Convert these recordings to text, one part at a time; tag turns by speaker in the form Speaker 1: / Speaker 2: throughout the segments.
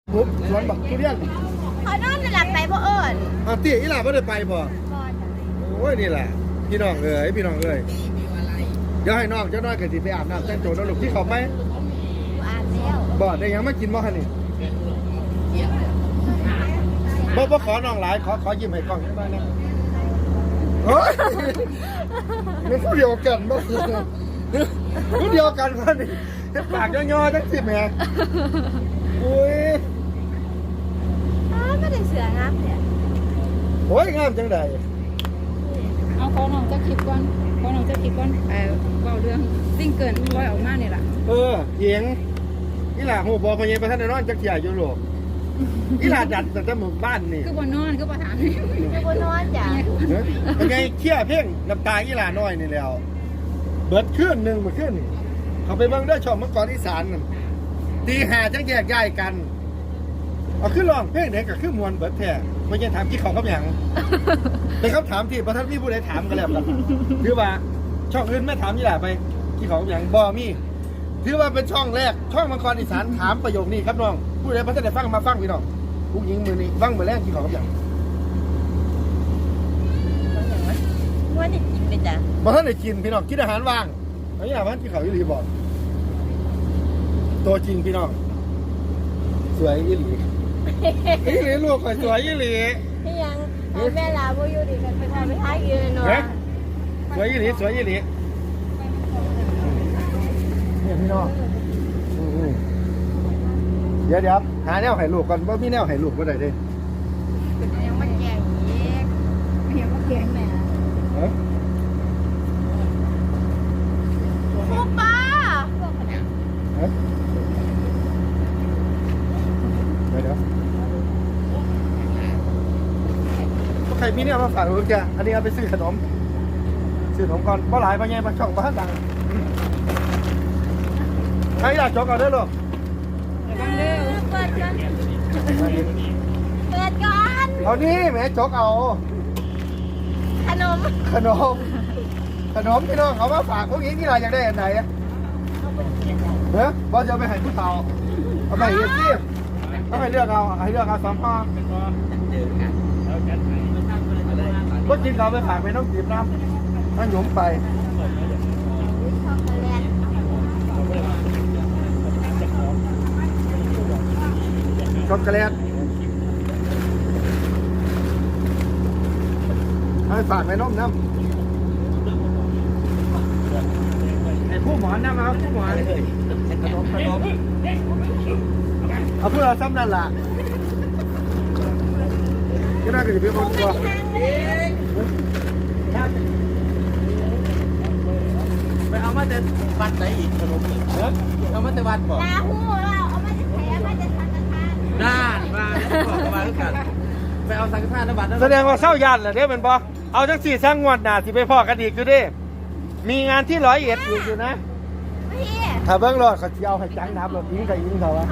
Speaker 1: ปุ๊บสวนบักทุเรียน
Speaker 2: เขานอนในหลับไปบ่เอิญ
Speaker 1: ตีอีหล่าไม่ได้ไปบ่โอ้ยนี่แหละพี่น้องเอ้ยพี่น้องเอ้ยเดี๋ยวให้น้องเจ้าน้อยกับสิไปอาบน้ำแต่งตัวแล้วลูกที่เขาไหม
Speaker 2: อาบแล้ว
Speaker 1: บ่ได้ยังไม่กินบ่คะนี่บ่ขอน้องหลายขอยิ้มให้กล้องได้ไหมนะโอ้ยมันผู้เดียวกันบ่ผู้เดียวกันคนนี้ปากย่อๆทั้งสิแม่อุ้ย
Speaker 2: ไม่ได้เสืองามเนี่ย
Speaker 1: โอ้ยงามจังใด
Speaker 3: เอาขอน้องจะคลิปก่อนเบาเรื่องสิ่งเกินปล่อยออกมาเนี่ยแหละ
Speaker 1: เอียงอีหล่าหูบอพญาประธานนอนจักรยานยุโรปอีหล่าดัดแต่หมู่บ้านนี่
Speaker 3: คือบนนอนคือบนถาม
Speaker 2: คือบนนอนจ้ะ
Speaker 1: เป็นไงเชี่ยเพ่งน้ำตาอีหล่าน้อยนี่แล้วเบิดขึ้นหนึ่งเบิดขึ้นเขาไปเบิ่งได้ชมเมื่อก่อนอีสานตีหาจังแยกย้ายกันเอาขึ้นลองเพ่งเด็กกับขึ้นมวลเบิดแท้ไม่ใช่ถามกี่เขาครับอย่างเป็นคำถามที่ประธานพี่ผู้ใดถามกันแล้วกันคือว่าช่องอื่นไม่ถามอีหล่าไปกี่เขาอย่างบอมี่ถือว่าเป็นช่องแรกช่องมังกรอีสานถามประโยคนี้ครับน้องผู้ใดพระท่านได้ฟังมาฟังพี่น้องผู้หญิงมือนี้ฟังมือแรกกี่เขาครับอย่าง
Speaker 2: ว่าจะกินไปจ้ะ
Speaker 1: มาท่านได้กินพี่น้องกินอาหารว่างอันนี้อาหารกี่เขาอีหลีบอกตัวจริงพี่น้องสวยอีหลีอีหลีลูกสวยอีหลี
Speaker 2: ที่ยังแม่ลาบ่อยู่ดีกันไปทำไปท้ายยืนเนาะ
Speaker 1: สวยอีหลีสวยอีหลีเนี่ยพี่น้องเดี๋ยวหาแนวไห่ลูกก่อนว่ามีแนวไห่ลูกว่าไหนดิ
Speaker 2: ยังไม่แก่อีก
Speaker 3: ไม่เห็นว่าเก่งแม่
Speaker 2: ครูป้า
Speaker 1: เดี๋ยวใครมีเนี่ยมาฝากลูกแกอันนี้เอาไปซื้อขนมก่อนเพราะหลายพ่อใหญ่มาช่องบ้านดังใครอยากจกเอาได้หรอ
Speaker 2: เปิดก่อน
Speaker 1: เอานี่แม่จกเอา
Speaker 2: ขนม
Speaker 1: พี่น้องเอามาฝากพวกนี้ที่ไรอยากได้อันไหนเฮ้ยบอสจะไปให้ผู้เฒ่าเอาไปเยี่ยมต้องให้เลือกเอา2 ข้อก็กินเราไปฝากไปน้องจีบน้ำน้ำหยุ่มไปช็อกโกแลตให้ฝากไปน้องน้ำไอ้ผู้หมอนน้ำเอาผู้หมอนขนมเอาเพื่อซ้ำนั่นล่ะก็น่าจะเป็นคนตัวไปเอามาแต่วัดไหนอีกขนมเอามาแต่วัดบอก
Speaker 2: ลาหูเราเอามาจะแถมมาจะสังฆทาน
Speaker 1: น่านมาบอกมาแล้วกันไปเอาสังฆทานแล้วบัตรแสดงว่าเศร้ายันเหรอเนี่ยเป็นปะเอาจัง4 สร้างงวดหนาสิไปพ่อกันอีกอยู่ดิมีงานที่101อยู่นะถ้าเบิ้งรอดเขาจะเอาให้จังน้ำรถยิงกับยิงเขาวะ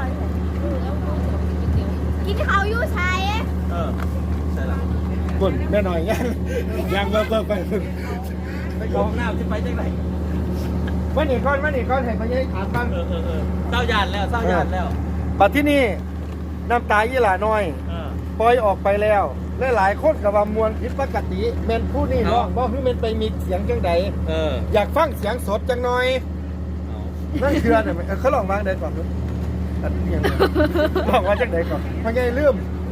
Speaker 2: กินเขาอยู่ใช่
Speaker 1: ใช่ละคุณแม่หน่อยยังเบิ่งไปคุณไปกองน้ำจะไปจังไหนมาหนีก้อนให้พญาถามบ้าง
Speaker 4: เศร้าหยาดแล้ว
Speaker 1: ปัจที่นี่น้ำตายี่หล่าน้อยปล่อยออกไปแล้วหลายคนกับว่ามวลผิดปกติเมนผู้นี่ร้องบอกคือเมนไปมีเสียงจังใดอยากฟังเสียงสดจังหน่อยนั่นคืออะไรเขาลองวางได้ก่อนดูอันนี้ยังลองว่าจังใดก่อนพญาลืม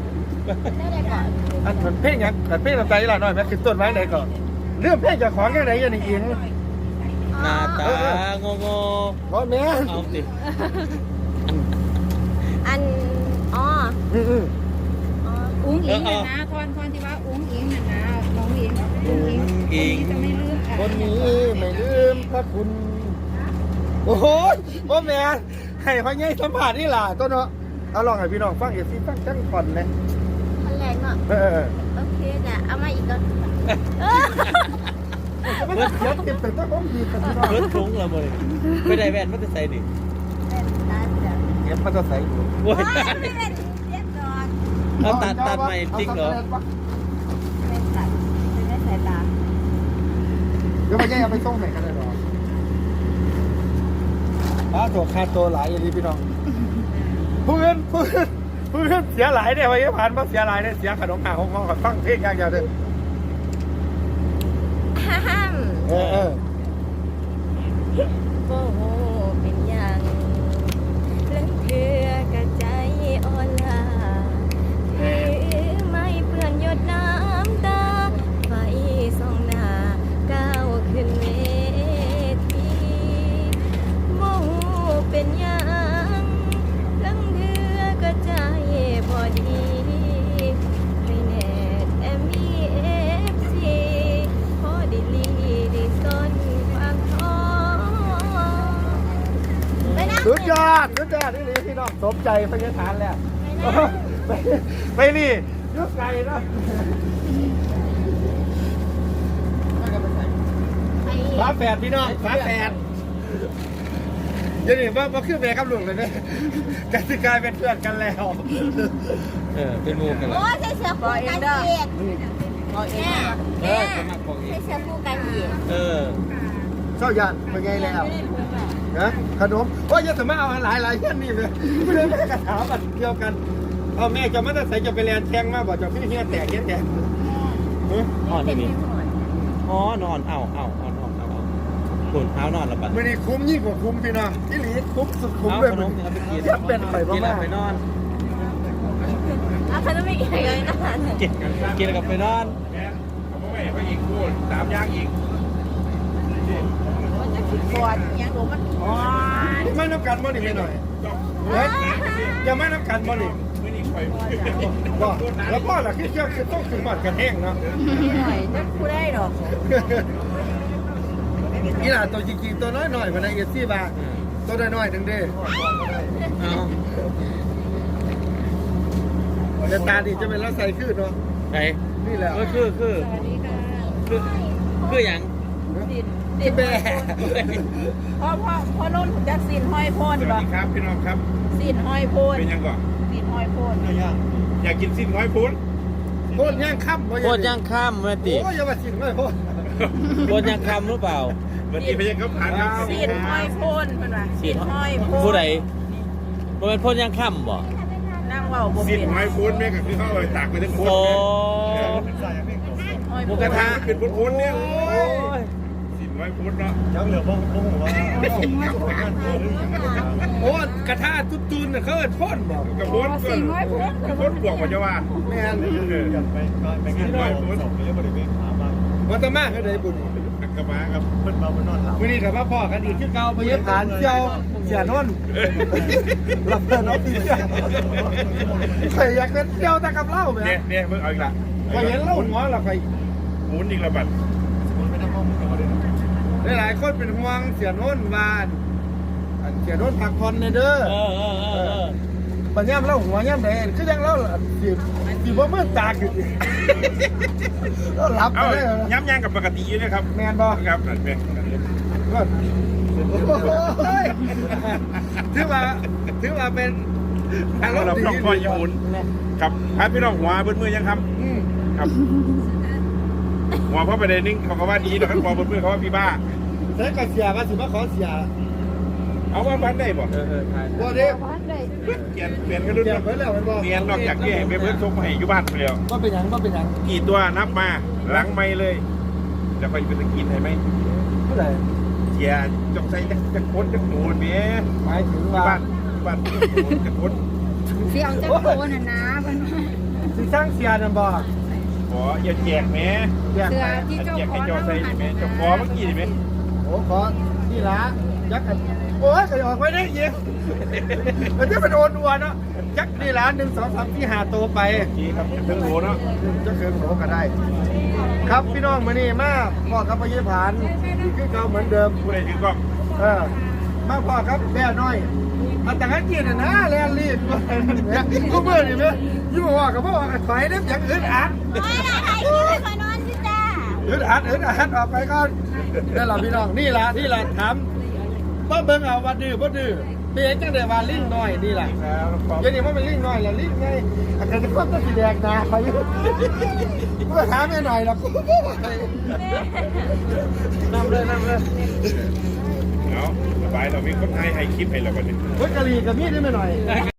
Speaker 1: อันเหมือนเพลงยังแต่เพลงน้ำตายี่หล่าน้อยแม่คือต้นไม้ไหนก่อนเรื่องเพลงจากของจังใดยันอิง
Speaker 4: หน้าตางง
Speaker 1: เพราะแม่
Speaker 4: เอาสิ
Speaker 2: อัน
Speaker 3: อุ้งอิงนะทอนที่ว่าอุ้งอิงนะน้องอิงจะไม่ลืม
Speaker 1: คนนี้ไม่ลืมพระคุณโอ้โหพ่อแม่ให้พ่อใหญ่สัมผัสนี่ล่ะต้นเนาะเอาลองให้พี่น้องฟังฟังจังก่อนเลย
Speaker 2: มันแรงเนาะโอเคจ้ะเอามาอีกก่อน
Speaker 1: เดี๋ยวเก็บแต่ต้องต้องดีกันพี่น้อง
Speaker 4: รถทุ้งเราเลยไม่ได้แว่นมันจะใส่ดิ
Speaker 1: เก็บมันจะใส่อยู่
Speaker 4: เอาตัดใหม่จริงเหรอ
Speaker 2: ไม่ตัดไม่ใส่ตา
Speaker 1: เดี๋ยวพ่อใหญ่เอาไปส่งไหนกันเลยหรอตัวคาตัวหลายอย่างนี้พี่น้องเพื่อนเพื่อนเสียหลายเนี่ยพยาบาลมาเสียหลายเนี่ยเสียขนมหาห้องกับฟังเพลงอย่างเดียวเลย
Speaker 2: ห้าม
Speaker 1: เออ
Speaker 2: โอ้โหเป็นอย่างเรื่องเพื่อกระใจอ่อนลาถือไม่เปื้อนหยดน้ำตาไฟส่องหน้าก้าวขึ้นเวทีโมโหเป็นอย่างเรื่องเพื่อกระใจบ่ดีให้แน่แต่มีFC พอได้ลีได้ซ่อนความท้อไปนะ
Speaker 1: สุดยอดนี่พี่น้องสมใจพยาฐานแล้วไปนี่ยุกไก่นะ ฝาแฝดพี่น้องฝาแฝดเดี๋ยวนี้ว่าขึ้นไปกับลุงเลยนะกันสิกลายเป็นเพื่อนกันแล้ว
Speaker 4: เป็นหมูกันแล้ว
Speaker 2: โอ้ยใส่เสื้อคู่กันอีกเนี่ย
Speaker 4: สมัครของอี
Speaker 2: ใส่
Speaker 4: ก
Speaker 2: เสื้อคู่กันอีก
Speaker 1: เจ้ายันเป็นไงแล้วนะขนมว่าจะสามารถเอาหลายเพื่อนนี่เลยไม่ได้แม่กระถาบัดเดียวกันเอาแม่จะมาแต่ใส่จะไปเรียนแข่งมาบอกจะพี่เฮียแตกแตก
Speaker 4: นอนที่นี่อ๋อนอนเอาขุนเท้านอนแล้วปะ
Speaker 1: ไม่ได้คุ้มยิ่งกว่าคุ้มพี่น้องที่หลีคุ้มสุดคุ้ม
Speaker 4: เอา
Speaker 1: เลย
Speaker 4: ขนมเนี่ยไปกิน
Speaker 1: จะเป็นไป
Speaker 4: กิน
Speaker 1: บ้า
Speaker 4: แล้วไปนอน
Speaker 2: เขาต้องไม่กินเลยนะ
Speaker 4: กินแล้วก็ไปนอน
Speaker 5: ผมไม่ไปอีกพูดตามย่างอีก
Speaker 2: มันจะคิดก่อนยังหนูมัน
Speaker 1: ไม่น้ำกันบ่หนิหน่อยอย่าไม่น้ำกันบ่หนิ
Speaker 5: ไม่นี่คอย
Speaker 1: ก็แล้วพ่อล่ะคิดเชื่อคือต้องถึงหมัดกันแห้งเนาะ
Speaker 2: หน่อยจะคู่ได้หรอก
Speaker 1: นี่ล่ะตัวจริงๆตัวน้อยๆมาในเอซี่บาตัวน้อยๆถึงเด้
Speaker 4: เอา
Speaker 1: แต่ตาดีจะเป็นลักใส่ขึ้นเนาะ
Speaker 4: ไป
Speaker 1: นี่แหละ
Speaker 4: คืออย่าง
Speaker 1: ที่แม่
Speaker 3: พ่อรุ่นจากสินห้อยโพน
Speaker 5: สวัสดีครับพี่น้องครับ
Speaker 3: สินห้อยโพน
Speaker 5: เป็นยังก่อน
Speaker 3: สินห้อยโพน
Speaker 5: อยากกินสิ้นน้อยพูน
Speaker 1: โคตรย่างค่ำ
Speaker 4: โคตรย่างข้ามมาติ
Speaker 1: โอ้ยอย่ามาสินไม่พ่อ
Speaker 4: โคตรย่างข้ามหรือเปล่า
Speaker 5: วันนี้พี่ยังเขาผ่านครับ
Speaker 3: สินห้อยโพนเพิ่นว่าสินห้อยโพน
Speaker 4: ผู้ใดมันเป็นโคตรย่างข้ามบ่
Speaker 3: นั่งเว้าบ่
Speaker 5: สิ้น
Speaker 3: เป็น
Speaker 5: น้อยพูนแม่ก็คือเขาเลยตากไปทั้งพูน
Speaker 4: โอ้
Speaker 3: ห้อย
Speaker 4: ห
Speaker 3: โพ
Speaker 4: มู
Speaker 3: น
Speaker 4: กระทะ
Speaker 5: เป็นพูนเนี่ย
Speaker 4: โอ้ย
Speaker 5: สิ้นน้อยพูนเนาะ
Speaker 1: ยังเหลือบ้องว่าโอ้กระทะตุ้นๆน่ะเขาเอิ้นพ่นบอก
Speaker 5: กระพูนก่อนกระพูนบวกกว่าจะว่า
Speaker 1: แม่น
Speaker 5: สิ้นน้อยพูน
Speaker 1: วันตะมาคือได้บุญ
Speaker 5: กระมาครับ
Speaker 1: มื้อนี้ก็มาพ่อกันอีกคือเก่าไปเย็บฐานเจียวเสียนนท์รับเพิ่นเอาตีเสียใครอยากเป็นเจียวตะกับเหล้าแม่
Speaker 5: เนี่ยเพิ่งเอาอีกละ
Speaker 1: ใครเห็นเหล้าหัวล่ะใคร
Speaker 5: หมุนอีกละบัด
Speaker 1: หลายๆคนเป็นห่วงเสียโน้นวานอันเสียโน้นพักผ่อนเด้อปัญญามเล่าหัวย่ำแดงคือยังเล่าสิบ่มืดตาขึ้นเราหลับไป
Speaker 5: เอา
Speaker 1: ได้
Speaker 5: ย้ำย่างกับปกติอยู่นะครับ
Speaker 1: แมนบ่
Speaker 5: ครับนั่นเป็น
Speaker 1: ถือว่าเป็นอารมณ์
Speaker 5: เรา
Speaker 1: ดี
Speaker 5: ต้องคอยหมุนครับครับพี่น้องหัวเบิ้ลมือยังครับครับหัวเพราะประเด็นนึงเขาก็ว่าดีนะครับหัวเบิ้ลมือเขาว่าพี่บ้า
Speaker 1: แต่ก็เสียว่าสิมาขอเสีย
Speaker 5: เอาว่าบ้านได้บ่
Speaker 1: บ่เด้
Speaker 5: เปลี่ยนกันรุ่น
Speaker 1: เสียไปแล้วมันบ่
Speaker 5: เปลี่ยนนอกจากที่ให้เบิ้ลส่งมาให้อยู่บ้านไปแล้ว
Speaker 1: บ่เป็นหยังบ่เป็นหยัง
Speaker 5: กี่ตัวนับมาหลังไม่เลยจะไปเป็นตะกินให้ไหม
Speaker 1: เท่าไหร่
Speaker 5: เสียจงใส่จะโคตรจะโดนเมีย
Speaker 1: หมายถึง
Speaker 5: บ้า
Speaker 1: ว่าน
Speaker 5: จะโคตร
Speaker 3: สิเอาจักโพนน่ะนะเพิ่นว่า
Speaker 1: สิสร้างเสียนั่นบ่
Speaker 5: ขออย่าแจกแม่
Speaker 1: แยก
Speaker 3: เสื้อ
Speaker 1: ไป
Speaker 3: ที่เจ้า
Speaker 5: แจก
Speaker 3: ขอ
Speaker 5: ให้
Speaker 3: ง
Speaker 5: จอใส่ไหมจะขอเมื่อกี้ไหม
Speaker 1: โอ้ขอนี่ละยักษ์โอ้ยก็ออกไปได้ยิงมันจะเป็นโอนอัวเนาะยักษ์นี่ละ1 2 3 4 5ตัวไป
Speaker 5: กี่ครับถึงโหเนาะ
Speaker 1: จะเกินโหก็ได้ ครับพี่น้องมื้อนี้มาพ่อกับพยาผานอีกคือเก่าเหมือนเดิม
Speaker 5: ผู้ใดถือกล้อง
Speaker 1: มาพ่อครับแม่น้อยมาแต่กันกินนะแลนรีบกูเบื่อนี่แม่ยิ่งว่ากับพ่อกันถอยเด้อย่างอึดอัด
Speaker 2: ไม่ละใครที่ไม่คอยนอนสิจ้า
Speaker 1: อึดอัดออกไปก่อนนั่นแหละพี่น้องนี่ล่ะที่ล่ะถามว่าเบิ่งเอาว่าดื้อบ่ดื้อเปียจังได้ว่าลิงน้อยนี่ล่ะ เดี๋ยวนี้มันเป็นลิงน้อยแล้วลิงไงอาจจะควบตัวสีแดงนะไปเพื่อหาไม่หน่อยหรอก
Speaker 4: นำเลย
Speaker 5: เอาสบายเรามีคนไทยให้คลิปให้เราบัดนี้
Speaker 1: พุทธกะลีกับมีดได้ไม่หน่อย